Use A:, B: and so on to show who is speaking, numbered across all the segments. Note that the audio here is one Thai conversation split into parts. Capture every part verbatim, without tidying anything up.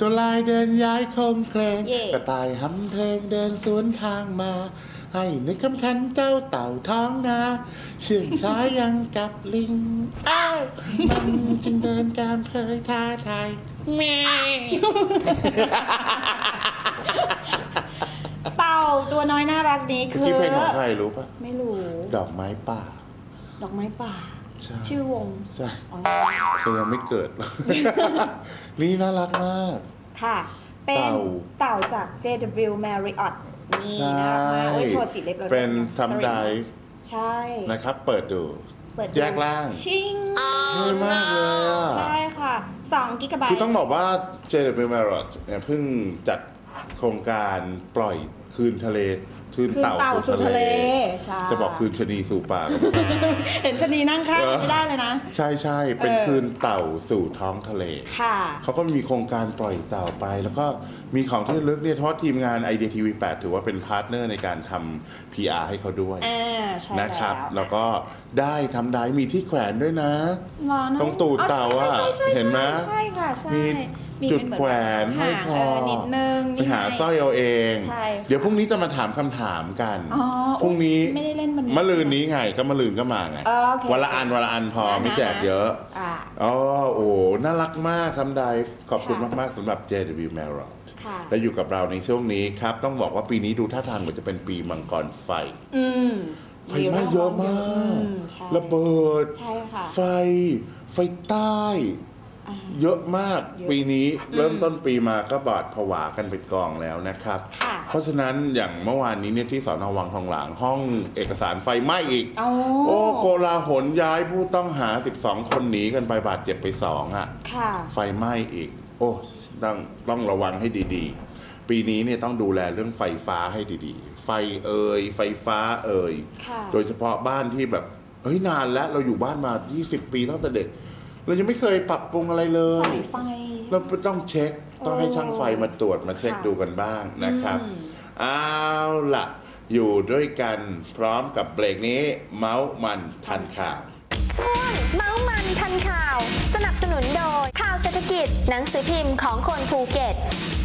A: ตัวลายเดินย้ายคงเครงกระต่ายหำเพลงเดินสวนทางมาให้นึกคำคันเจ้าเต่าท้องนาเชื่องช้ายังกับลิงอ้าวมันจึงเดินการเพยท้าทายแม่
B: เต่าตัวน้อยน่ารักนี้คือ
A: ที่เพลงของใครรู้ปะ
B: ไม่รู้
A: ดอกไม้ป่า
B: ดอกไม้ป่าชื่อวง
A: ใช่เธอยังไม่เกิดนี่น่ารักมาก
B: ค่ะเป็นเต่าจาก เจ ดับเบิลยู Marriott นี่น่ารักมากโอ้ยโชว์สีเล็บเลย
A: เป็นทำไดฟ์
B: ใช่
A: นะครับเปิดดูแยกล่าง
B: ชิง
A: เท่มากเลยอ่ะ
B: ใช่ค่ะสองกิกะไบต์
A: คือต้องบอกว่า เจ ดับเบิลยู Marriott เนี่ยเพิ่งจัดโครงการปล่อยคืนทะเลคืนเต่าสู่ทะเลจะบอกคืนชะนีสู่ป่า
B: เห็นชะนีนั่งข้างไม่ได้เลยนะ
A: ใช่ใช่เป็นคืนเต่าสู่ท้องทะเล
B: ค่ะ
A: เขาก็มีโครงการปล่อยเต่าไปแล้วก็มีของที่ลึกเนี่ยเพราะทีมงาน ไอ เดีย ที วี แปดถือว่าเป็นพาร์ทเนอร์ในการทำ พี อาร์ ให้เขาด้วยนะครับแล้วก็ได้ทำได้มีที่แขวนด้วยนะตรงตูดเต่าอ่ะเห็นไหม
B: ใช่ค่ะใช่
A: จุดแขวนให้คอ
B: นิดนึง
A: ไปหาสร้อยเอาเองเดี๋ยวพรุ่งนี้จะมาถามคำถามกันพรุ่งนี้มะรืนนี้ไงก็มะรืนก็มาไงวันละอันวันละอันพอไม่แจกเยอะอ๋อโอ้น่ารักมากทำได้ขอบคุณมากๆสำหรับ เจ ดับเบิลยู Marriott และอยู่กับเราในช่วงนี้ครับต้องบอกว่าปีนี้ดูท่าทางเหมือนจะเป็นปีมังกรไฟไฟไหม้เยอะมากระเบิดไฟไฟใต้เยอะมากปีนี้เริ่มต้นปีมาก็บาดผวากันเป็นกองแล้วนะครับเพราะฉะนั้นอย่างเมื่อวานนี้เนี่ยที่สน.วังทองหลางห้องเอกสารไฟไหม้อีกโอ้โกลาหลย้ายผู้ต้องหาสิบสองคนหนีกันไปบาดเจ็บไปสองอ่ะไฟไหม้อีกโอ้ต้องต้องระวังให้ดีๆปีนี้เนี่ยต้องดูแลเรื่องไฟฟ้าให้ดีๆไฟเอ่ยไฟฟ้าเอ่ยโดยเฉพาะบ้านที่แบบเฮ้ยนานแล้วเราอยู่บ้านมายี่สิบปีตั้งแต่เด็กเรายังไม่เคยปรับปรุงอะไรเลย
B: สายไฟ
A: เราต้องเช็คต้องให้ช่างไฟมาตรวจมาเช็คดูกันบ้างนะครับเอาล่ะอยู่ด้วยกันพร้อมกับเบรกนี้เมาส์มันทันข่าว
C: ช่วงเมาส์มันทันข่าวสนับสนุนโดยข่าวเศรษฐกิจหนังสือพิมพ์ของคนภูเก็ต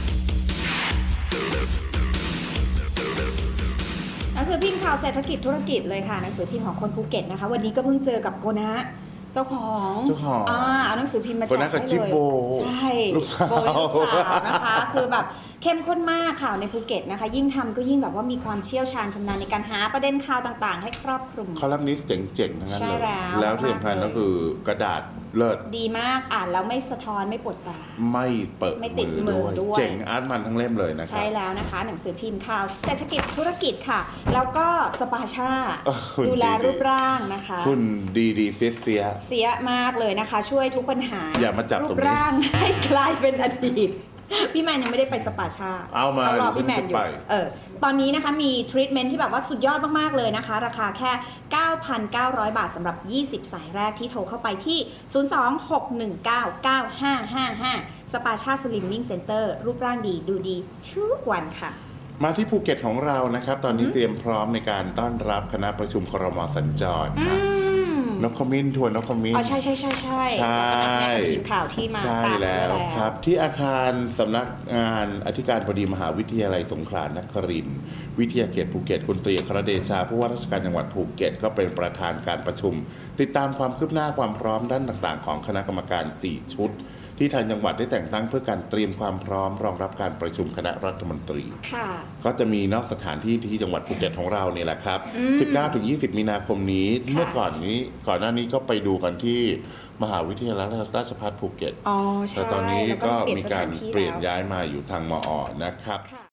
B: หนังสือพิมพ์ข่าวเศรษฐกิจธุรกิจเลยค่ะหนังสือพิมพ์ของคนภูเก็ตนะคะวันนี้ก็เพิ่งเจอกับโกนะเจ้าของ
A: เจ้าของ
B: อ่าเอาหนังสือพิมพ์มาแจกให้เลยใช่
A: ลูกสาว
B: ลูกสาวนะคะคือแบบเข้มข้นมากข่าวในภูเก็ตนะคะยิ่งทำก็ยิ่งแบบว่ามีความเชี่ยวชาญชำนาญในการหาประเด็นข่าวต่างๆให้ครอบคลุม
A: คอลัมนิสต์เจ๋งๆทั้งนั้นเลยแล้วที่สำคัญก็คือกระดาษเลิศ
B: ดีมากอ่านแล้วไม่สะท้อนไม่ปวดตา
A: ไม่เปิด
B: ไม่ติดมือด้วย
A: เจ๋งอาร์ตมันทั้งเล่มเลยนะครับ
B: ใช่แล้วนะคะหนังสือพิมพ์ข่าวเศรษฐกิจธุรกิจค่ะแล้วก็สปาชาดูแลรูปร่างนะคะ
A: คุณดีดีเสียเสีย
B: เสียมากเลยนะคะช่วยทุกปัญหา
A: อย่ามาจับ
B: รูปร่างให้กลายเป็นอดีตพี่แมนยังไม่ได้ไปสปาชา
A: เอามาร
B: อพี่แมนอยู่เออตอนนี้นะคะมีทรีทเมนต์ที่แบบว่าสุดยอดมากๆเลยนะคะราคาแค่ เก้าพันเก้าร้อย บาทสำหรับยี่สิบสายแรกที่โทรเข้าไปที่ศูนย์ สอง หก หนึ่ง เก้า เก้า ห้า ห้า ห้าสปาชาสลิมมิ่งเซ็นเตอร์รูปร่างดีดูดีทุกวันค่ะ
A: มาที่ภูเก็ตของเรานะครับตอนนี้เตรียมพร้อมในการต้อนรับคณะประชุมครม.สัญจรนกขมิ้นทวนนกขมิ้น
B: อ๋อใช่ใช่ใช่ใช่
A: ใช่
B: ทีมข่าวที่มา
A: ใช่แล้วครับที่อาคารสำนักงานอธิการบดีมหาวิทยาลัยสงขลานครินทร์วิทยาเขตภูเก็ตคุณตรีอัครเดชาผู้ว่าราชการจังหวัดภูเก็ตก็เป็นประธานการประชุมติดตามความคืบหน้าความพร้อมด้านต่างๆของคณะกรรมการสี่ชุดที่ทางจังหวัดได้แต่งตั้งเพื่อการเตรียมความพร้อมรองรับการประชุมคณะรัฐมนตรีก็จะมีนอกสถานที่ที่จังหวัดภูเก็ตของเราเนี่ยแหละครับ สิบเก้าถึงยี่สิบ มีนาคมนี้เมื่อก่อนนี้ก่อนหน้านี้ก็ไปดูกันที่มหาวิทยาลัยราชภัฏภูเก็ตแต่ตอนนี้ก็มีการเปลี่ยนย้ายมาอยู่ทางมอ.นะครับ